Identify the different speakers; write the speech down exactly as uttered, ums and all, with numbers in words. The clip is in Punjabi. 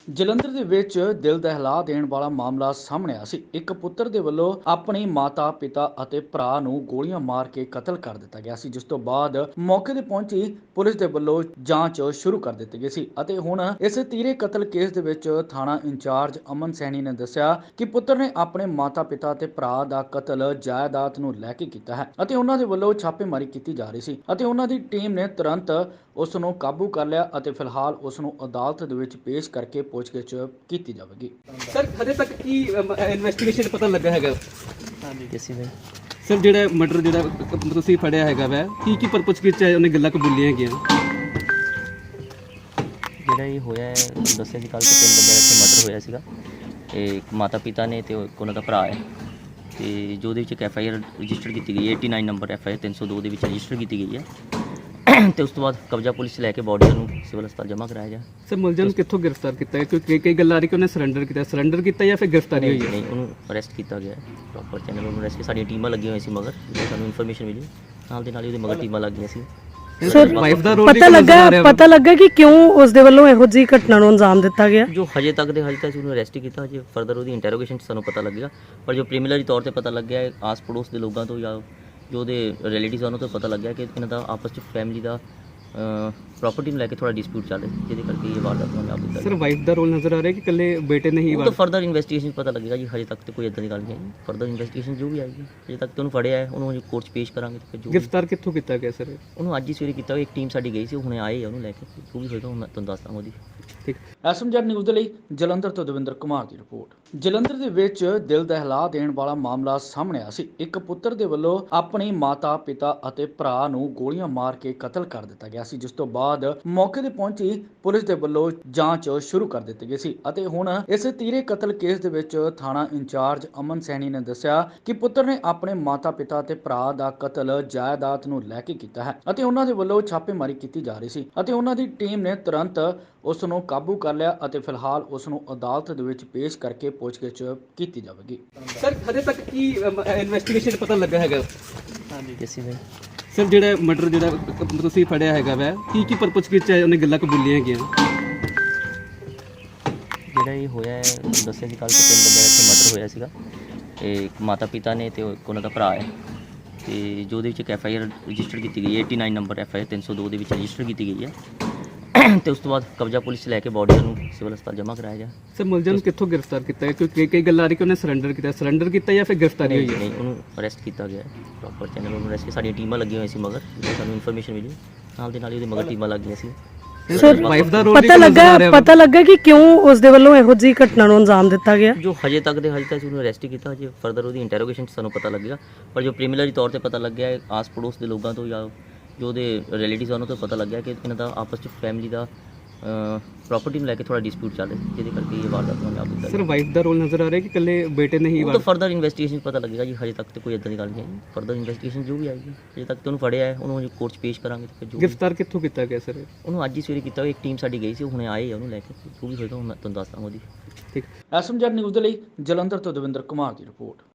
Speaker 1: ਜਲੰਧਰ ਦੇ ਵਿੱਚ ਦਿਲ ਦਹਿਲਾ ਦੇਣ ਵਾਲਾ ਮਾਮਲਾ ਸਾਹਮਣੇ ਆਇਆ ਸੀ। ਇੱਕ ਪੁੱਤਰ ਦੇ ਵੱਲੋਂ ਆਪਣੀ ਮਾਤਾ, ਪਿਤਾ ਅਤੇ ਭਰਾ ਨੂੰ ਗੋਲੀਆਂ ਮਾਰ ਕੇ ਕਤਲ ਕਰ ਦਿੱਤਾ ਗਿਆ ਸੀ, ਜਿਸ ਤੋਂ ਬਾਅਦ ਮੌਕੇ ਤੇ ਪਹੁੰਚੀ ਪੁਲਿਸ ਦੇ ਵੱਲੋਂ ਜਾਂਚ ਸ਼ੁਰੂ ਕਰ ਦਿੱਤੀ ਗਈ ਸੀ ਅਤੇ ਹੁਣ ਇਸ ਤੀਰੇ ਕਤਲ ਕੇਸ ਦੇ ਵਿੱਚ ਥਾਣਾ ਇੰਚਾਰਜ ਅਮਨ ਸੈਣੀ ਨੇ ਦੱਸਿਆ ਕਿ ਪੁੱਤਰ ਨੇ ਆਪਣੇ ਮਾਤਾ, ਪਿਤਾ ਅਤੇ ਭਰਾ ਦਾ ਕਤਲ ਜਾਇਦਾਦ ਨੂੰ ਲੈ ਕੇ ਕੀਤਾ ਹੈ ਅਤੇ ਉਹਨਾਂ ਦੇ ਵੱਲੋਂ ਛਾਪੇਮਾਰੀ ਕੀਤੀ ਜਾ ਰਹੀ ਸੀ ਅਤੇ ਉਹਨਾਂ ਦੀ ਟੀਮ ਨੇ ਤੁਰੰਤ ਉਸ ਨੂੰ ਕਾਬੂ ਕਰ ਲਿਆ ਅਤੇ ਫਿਲਹਾਲ ਉਸ ਨੂੰ ਅਦਾਲਤ ਦੇ ਵਿੱਚ ਪੇਸ਼ ਕਰਕੇ ਪੁੱਛਗਿੱਛ ਕੀਤੀ ਜਾਵੇਗੀ।
Speaker 2: ਸਰ ਹਜੇ ਤੱਕ ਕੀ ਇਨਵੈਸਟੀਗੇਸ਼ਨ ਪਤਾ ਲੱਗਾ ਹੈਗਾ?
Speaker 3: ਹਾਂਜੀ ਕਿਸੇ ਨੇ
Speaker 2: ਸਰ ਜਿਹੜਾ ਮਰਡਰ ਜਿਹੜਾ ਤੁਸੀਂ ਫੜਿਆ ਹੈਗਾ ਵੈ ਕੀ ਕੀ ਪਰਪਸ ਵਿੱਚ ਹੈ, ਉਹਨੇ ਗੱਲਾਂ ਕਬੂਲੀਆਂ ਹੈਗੀਆਂ?
Speaker 3: ਜਿਹੜਾ ਇਹ ਹੋਇਆ ਹੈ ਦੱਸਿਆ ਸੀ ਕੱਲ੍ਹ ਤੋਂ ਤਿੰਨ ਬੰਦਿਆਂ ਦਾ ਇੱਥੇ ਮਰਡਰ ਹੋਇਆ ਸੀਗਾ। ਇਹ ਇੱਕ ਮਾਤਾ ਪਿਤਾ ਨੇ ਤੇ ਇੱਕ ਉਹਨਾਂ ਦਾ ਭਰਾ ਹੈ ਤੇ ਜੋ ਉਹਦੇ ਵਿੱਚ ਇੱਕ ਐਫ ਆਈ ਆਰ ਰਜਿਸਟਰ ਕੀਤੀ ਗਈ ਹੈ ਨੜਿਨਵੇਂ ਨੰਬਰ ਐਫ ਆਈ ਆਰ ਤਿੰਨ ਸੌ ਦੋ ਦੇ ਵਿੱਚ ਰਜਿਸਟਰ ਕੀਤੀ ਗਈ ਹੈ ਤੇ ਉਸ ਤੋਂ ਬਾਅਦ ਕਬਜ਼ਾ ਪੁਲਿਸ ਲੈ ਕੇ ਬੋਡੀ ਨੂੰ ਸਿਵਲ ਹਸਪਤਾਲ ਜਮ੍ਹਾਂ ਕਰਾਇਆ ਜਾ।
Speaker 2: ਸਰ ਮੁਲਜ਼ਮ ਨੂੰ ਕਿੱਥੋਂ ਗ੍ਰਿਫਤਾਰ ਕੀਤਾ ਹੈ? ਕਿਉਂਕਿ ਕਈ ਗੱਲਾਂ ਆ ਰਹੀ ਕਿ ਉਹਨੇ ਸਰੈਂਡਰ ਕੀਤਾ ਸਰੈਂਡਰ ਕੀਤਾ ਜਾਂ ਫਿਰ ਗ੍ਰਿਫਤਾਰੀ ਹੋਈ ਹੈ?
Speaker 3: ਨਹੀਂ, ਉਹਨੂੰ ਅਰੈਸਟ ਕੀਤਾ ਗਿਆ ਹੈ ਪ੍ਰੋਪਰ ਚੈਨਲ ਉਹਨੂੰ ਅਰੈਸਟ। ਸਾਡੀਆਂ ਟੀਮਾਂ ਲੱਗੀਆਂ ਹੋਈਆਂ ਸੀ ਮਗਰ ਜਦੋਂ ਸਾਨੂੰ ਇਨਫੋਰਮੇਸ਼ਨ ਮਿਲੀ ਨਾਲ ਦੇ ਨਾਲ ਹੀ ਉਹਦੇ ਮਗਰ ਟੀਮਾਂ ਲੱਗ ਗਈਆਂ ਸੀ।
Speaker 2: ਸਰ ਵਾਈਫ ਦਾ ਰੋਲ
Speaker 4: ਪਤਾ ਲੱਗਾ ਪਤਾ ਲੱਗਾ ਕਿ ਕਿਉਂ ਉਸ ਦੇ ਵੱਲੋਂ ਇਹੋ ਜਿਹੀ ਘਟਨਾ ਨੂੰ ਅੰਜਾਮ ਦਿੱਤਾ ਗਿਆ?
Speaker 3: ਜੋ ਹਜੇ ਤੱਕ ਦੇ ਹਜੇ ਤੱਕ ਉਹਨੂੰ ਅਰੈਸਟ ਹੀ ਕੀਤਾ, ਹਜੇ ਫਰਦਰ ਉਹਦੀ ਇੰਟਰੋਗੇਸ਼ਨ 'ਚ ਸਾਨੂੰ ਪਤਾ ਲੱਗੇਗਾ। ਪਰ ਜੋ ਪ੍ਰੀਮਿਲਰੀ ਤੌਰ ਤੇ ਪਤਾ ਲੱਗਿਆ ਹੈ ਆਸ ਪੜੋਸ ਦੇ ਲੋਕਾਂ ਤੋਂ ਜਾਂ ਜੋ ਉਹਦੇ ਰਿਲੇਟਿਵਸ ਉਹਨਾਂ ਤੋਂ ਪਤਾ ਲੱਗਿਆ ਕਿ ਇਹਨਾਂ ਦਾ ਆਪਸ 'ਚ ਫੈਮਿਲੀ ਦਾ ਪ੍ਰੋਪਰਟੀ ਨੂੰ ਲੈ ਕੇ ਥੋੜਾ ਡਿਸਪਿਊਟ ਚੱਲ ਰਿਹਾ ਜਿਹਦੇ ਕਰਕੇ ਇਹ ਵਾਰਦਾਤ ਨੂੰ ਅੰਜਾਮ ਦਿੱਤਾ।
Speaker 2: ਸਰ ਵਾਈਫ ਦਾ ਰੋਲ ਨਜ਼ਰ ਆ ਰਿਹਾ ਕਿ ਇਕੱਲੇ ਬੇਟੇ ਨੇ ਹੀ?
Speaker 3: ਉਹ ਤਾਂ ਫਰਦਰ ਇਨਵੈਸਟੀਗੇਸ਼ਨ ਪਤਾ ਲੱਗੇਗਾ ਜੀ, ਹਜੇ ਤੱਕ ਤੇ ਕੋਈ ਇਦਾਂ ਦੀ ਗੱਲ ਨਹੀਂ ਹੈ। ਫਰਦਰ ਇਨਵੈਸਟੀਗੇਸ਼ਨ ਜੋ ਵੀ ਆਏਗੀ, ਹਜੇ ਤੱਕ ਤੇ ਉਹਨੂੰ ਫੜਿਆ ਹੈ, ਉਹਨੂੰ ਕੋਰਟ 'ਚ ਪੇਸ਼ ਕਰਾਂਗੇ ਤੇ ਫਿਰ ਜੋ
Speaker 2: ਗ੍ਰਿਫਤਾਰ ਕਿੱਥੋਂ ਕੀਤਾ ਗਿਆ ਸਰ?
Speaker 3: ਉਹਨੂੰ ਅੱਜ ਹੀ ਸਵੇਰੇ ਕੀਤਾ। ਇੱਕ ਟੀਮ ਸਾਡੀ ਗਈ ਸੀ, ਉਹ ਹੁਣੇ ਆਏ ਆ ਉਹਨੂੰ ਲੈ ਕੇ। ਜੋ ਵੀ ਹੋਏਗਾ ਹੁਣ ਮੈਂ ਤੁਹਾਨੂੰ ਦੱਸਦਾ ਉਹਦੀ।
Speaker 2: ਠੀਕ।
Speaker 1: ਐਸਐਮਜੈਡ ਨਿਊਜ਼ ਦੇ ਲਈ ਜਲੰਧਰ ਤੋਂ ਦਵਿੰਦਰ ਕੁਮਾਰ ਦੀ ਰਿਪੋਰਟ। ਜਲੰਧਰ ਦੇ ਵਿੱਚ ਦਿਲ ਦਹਿਲਾ ਦੇਣ ਵਾਲਾ ਮਾਮਲਾ ਸਾਹਮਣੇ ਆਇਆ ਸੀ। ਇੱਕ ਪੁੱਤਰ ਦੇ ਵੱਲੋਂ ਆਪਣੀ ਮਾਤਾ, ਪਿਤਾ ਅਤੇ ਭਰਾ ਨੂੰ ਗੋਲੀਆਂ ਮਾਰ ਕੇ ਕਤਲ ਕਰ ਦਿੱਤਾ ਗਿਆ ਸੀ, ਜਿਸ ਤੋਂ ਬਾਅਦ ਮੌਕੇ ਤੇ ਪਹੁੰਚੀ ਪੁਲਿਸ ਦੇ ਵੱਲੋਂ ਜਾਂਚ ਸ਼ੁਰੂ ਕਰ ਦਿੱਤੀ ਗਈ ਸੀ ਅਤੇ ਹੁਣ ਇਸ ਤੀਰੇ ਕਤਲ ਕੇਸ ਦੇ ਵਿੱਚ ਥਾਣਾ ਇੰਚਾਰਜ ਅਮਨ ਸੈਣੀ ਨੇ ਦੱਸਿਆ ਕਿ ਪੁੱਤਰ ਨੇ ਆਪਣੇ ਮਾਤਾ, ਪਿਤਾ ਅਤੇ ਭਰਾ ਦਾ ਕਤਲ ਜਾਇਦਾਦ ਨੂੰ ਲੈ ਕੇ ਕੀਤਾ ਹੈ ਅਤੇ ਉਹਨਾਂ ਦੇ ਵੱਲੋਂ ਛਾਪੇਮਾਰੀ ਕੀਤੀ ਜਾ ਰਹੀ ਸੀ ਅਤੇ ਉਹਨਾਂ ਦੀ ਟੀਮ ਨੇ ਤੁਰੰਤ ਉਸ ਨੂੰ ਕਾਬੂ ਕਰ ਲਿਆ ਅਤੇ ਫਿਲਹਾਲ ਉਸ ਨੂੰ ਅਦਾਲਤ ਦੇ ਵਿੱਚ ਪੇਸ਼ ਕਰਕੇ ਪੁੱਛਗਿੱਛ ਕੀਤੀ ਜਾਵੇਗੀ।
Speaker 2: ਸਰ ਹਜੇ ਤੱਕ ਕੀ ਇਨਵੈਸਟੀਗੇਸ਼ਨ ਪਤਾ ਲੱਗਾ ਹੈਗਾ?
Speaker 3: ਹਾਂਜੀ ਕਿਸੇ ਨੇ
Speaker 2: ਸਰ ਜਿਹੜਾ ਮਰਡਰ ਜਿਹੜਾ ਤੁਸੀਂ ਫੜਿਆ ਹੈਗਾ ਵੈ ਕੀ ਕੀ ਪਰਪਸ ਵਿੱਚ ਹੈ, ਉਹਨੇ ਗੱਲਾਂ ਕਬੂਲੀਆਂ ਹੈਗੀਆਂ?
Speaker 3: ਜਿਹੜਾ ਇਹ ਹੋਇਆ ਹੈ ਦੱਸਿਆ ਸੀ ਕੱਲ੍ਹ ਤੋਂ ਤਿੰਨ ਬੰਦਿਆਂ ਦਾ ਇੱਥੇ ਮਰਡਰ ਹੋਇਆ ਸੀਗਾ। ਇਹ ਇੱਕ ਮਾਤਾ ਪਿਤਾ ਨੇ ਤੇ ਇੱਕ ਉਹਨਾਂ ਦਾ ਭਰਾ ਹੈ ਤੇ ਜੋ ਉਹਦੇ ਵਿੱਚ ਇੱਕ ਐਫ ਆਈ ਆਰ ਰਜਿਸਟਰ ਕੀਤੀ ਗਈ ਹੈ ਨੜਿਨਵੇਂ ਨੰਬਰ ਐਫ ਆਈ ਆਰ ਤਿੰਨ ਸੌ ਦੋ ਦੇ ਵਿੱਚ ਰਜਿਸਟਰ ਕੀਤੀ ਗਈ ਹੈ ਤੇ ਉਸ ਤੋਂ ਬਾਅਦ ਕਬਜ਼ਾ ਪੁਲਿਸ ਲੈ ਕੇ ਬੋਡੀ ਨੂੰ ਸਿਵਲ ਹਸਪਤਾਲ ਜਮ੍ਹਾਂ ਕਰਾਇਆ ਜਾ।
Speaker 2: ਸਰ ਮੁਲਜ਼ਮ ਨੂੰ ਕਿੱਥੋਂ ਗ੍ਰਿਫਤਾਰ ਕੀਤਾ ਹੈ? ਕਿਉਂਕਿ ਕਈ ਗੱਲਾਂ ਆ ਰਹੀ ਕਿ ਉਹਨੇ ਸਰੈਂਡਰ ਕੀਤਾ ਸਰੈਂਡਰ ਕੀਤਾ ਜਾਂ ਫਿਰ ਗ੍ਰਿਫਤਾਰੀ ਹੋਈ ਹੈ?
Speaker 3: ਨਹੀਂ, ਉਹਨੂੰ ਅਰੈਸਟ ਕੀਤਾ ਗਿਆ ਹੈ ਪ੍ਰੋਪਰ ਚੈਨਲ ਉਹਨੂੰ ਅਰੈਸਟ। ਸਾਡੀਆਂ ਟੀਮਾਂ ਲੱਗੀਆਂ ਹੋਈਆਂ ਸੀ ਮਗਰ ਜਦੋਂ ਸਾਨੂੰ ਇਨਫੋਰਮੇਸ਼ਨ ਮਿਲੀ ਨਾਲ ਦੇ ਨਾਲ ਹੀ ਉਹਦੇ ਮਗਰ ਟੀਮਾਂ ਲੱਗ ਗਈਆਂ ਸੀ।
Speaker 2: ਸਰ ਵਾਈਫ ਦਾ ਰੋਲ
Speaker 4: ਪਤਾ ਲੱਗਾ ਪਤਾ ਲੱਗਾ ਕਿ ਕਿਉਂ ਉਸ ਦੇ ਵੱਲੋਂ ਇਹੋ ਜਿਹੀ ਘਟਨਾ ਨੂੰ ਅੰਜਾਮ ਦਿੱਤਾ ਗਿਆ?
Speaker 3: ਜੋ ਹਜੇ ਤੱਕ ਦੇ ਹਜੇ ਤੱਕ ਉਹਨੂੰ ਅਰੈਸਟ ਹੀ ਕੀਤਾ, ਹਜੇ ਫਰਦਰ ਉਹਦੀ ਇੰਟਰੋਗੇਸ਼ਨ 'ਚ ਸਾਨੂੰ ਪਤਾ ਲੱਗੇਗਾ। ਪਰ ਜੋ ਪ੍ਰੀਮਿਲਰੀ ਤੌਰ ਤੇ ਪਤਾ ਲੱਗਿਆ ਹੈ ਆਸ ਪੜੋਸ ਦੇ ਲੋਕਾਂ ਤੋਂ ਜਾਂ ਜੋ ਉਹਦੇ ਰਿਲੇਟਿਵਸ ਉਹਨਾਂ ਤੋਂ ਪਤਾ ਲੱਗਿਆ ਕਿ ਇਹਨਾਂ ਦਾ ਆਪਸ 'ਚ ਫੈਮਿਲੀ ਦਾ ਪ੍ਰੋਪਰਟੀ ਨੂੰ ਲੈ ਕੇ ਥੋੜਾ ਡਿਸਪਿਊਟ ਚੱਲ ਰਿਹਾ ਜਿਹਦੇ ਕਰਕੇ ਇਹ ਵਾਰਦਾਤ ਨੂੰ ਅੰਜਾਮ ਦਿੱਤਾ।
Speaker 2: ਸਰ ਵਾਈਫ ਦਾ ਰੋਲ ਨਜ਼ਰ ਆ ਰਿਹਾ ਕਿ ਇਕੱਲੇ ਬੇਟੇ ਨੇ ਹੀ?
Speaker 3: ਉਹ ਤਾਂ ਫਰਦਰ ਇਨਵੈਸਟੀਗੇਸ਼ਨ ਪਤਾ ਲੱਗੇਗਾ ਜੀ, ਹਜੇ ਤੱਕ ਤੇ ਕੋਈ ਇਦਾਂ ਦੀ ਗੱਲ ਨਹੀਂ ਹੈ। ਫਰਦਰ ਇਨਵੈਸਟੀਗੇਸ਼ਨ ਜੋ ਵੀ ਆਏਗੀ, ਹਜੇ ਤੱਕ ਤੇ ਉਹਨੂੰ ਫੜਿਆ ਹੈ, ਉਹਨੂੰ ਕੋਰਟ 'ਚ ਪੇਸ਼ ਕਰਾਂਗੇ ਤੇ ਫਿਰ ਜੋ
Speaker 2: ਗ੍ਰਿਫਤਾਰ ਕਿੱਥੋਂ ਕੀਤਾ ਗਿਆ ਸਰ?
Speaker 3: ਉਹਨੂੰ ਅੱਜ ਹੀ ਸਵੇਰੇ ਕੀਤਾ। ਇੱਕ ਟੀਮ ਸਾਡੀ ਗਈ ਸੀ, ਉਹ ਹੁਣੇ ਆਏ ਆ ਉਹਨੂੰ ਲੈ ਕੇ। ਜੋ ਵੀ ਹੋਏਗਾ ਹੁਣ ਮੈਂ ਤੁਹਾਨੂੰ ਦੱਸਦਾ ਉਹਦੀ।
Speaker 2: ਠੀਕ।
Speaker 1: ਐਸਐਮਜੈਡ ਨਿਊਜ਼ ਦੇ ਲਈ ਜਲੰਧਰ ਤੋਂ ਦਵਿੰਦਰ ਕੁਮਾਰ ਦੀ ਰਿਪੋਰਟ।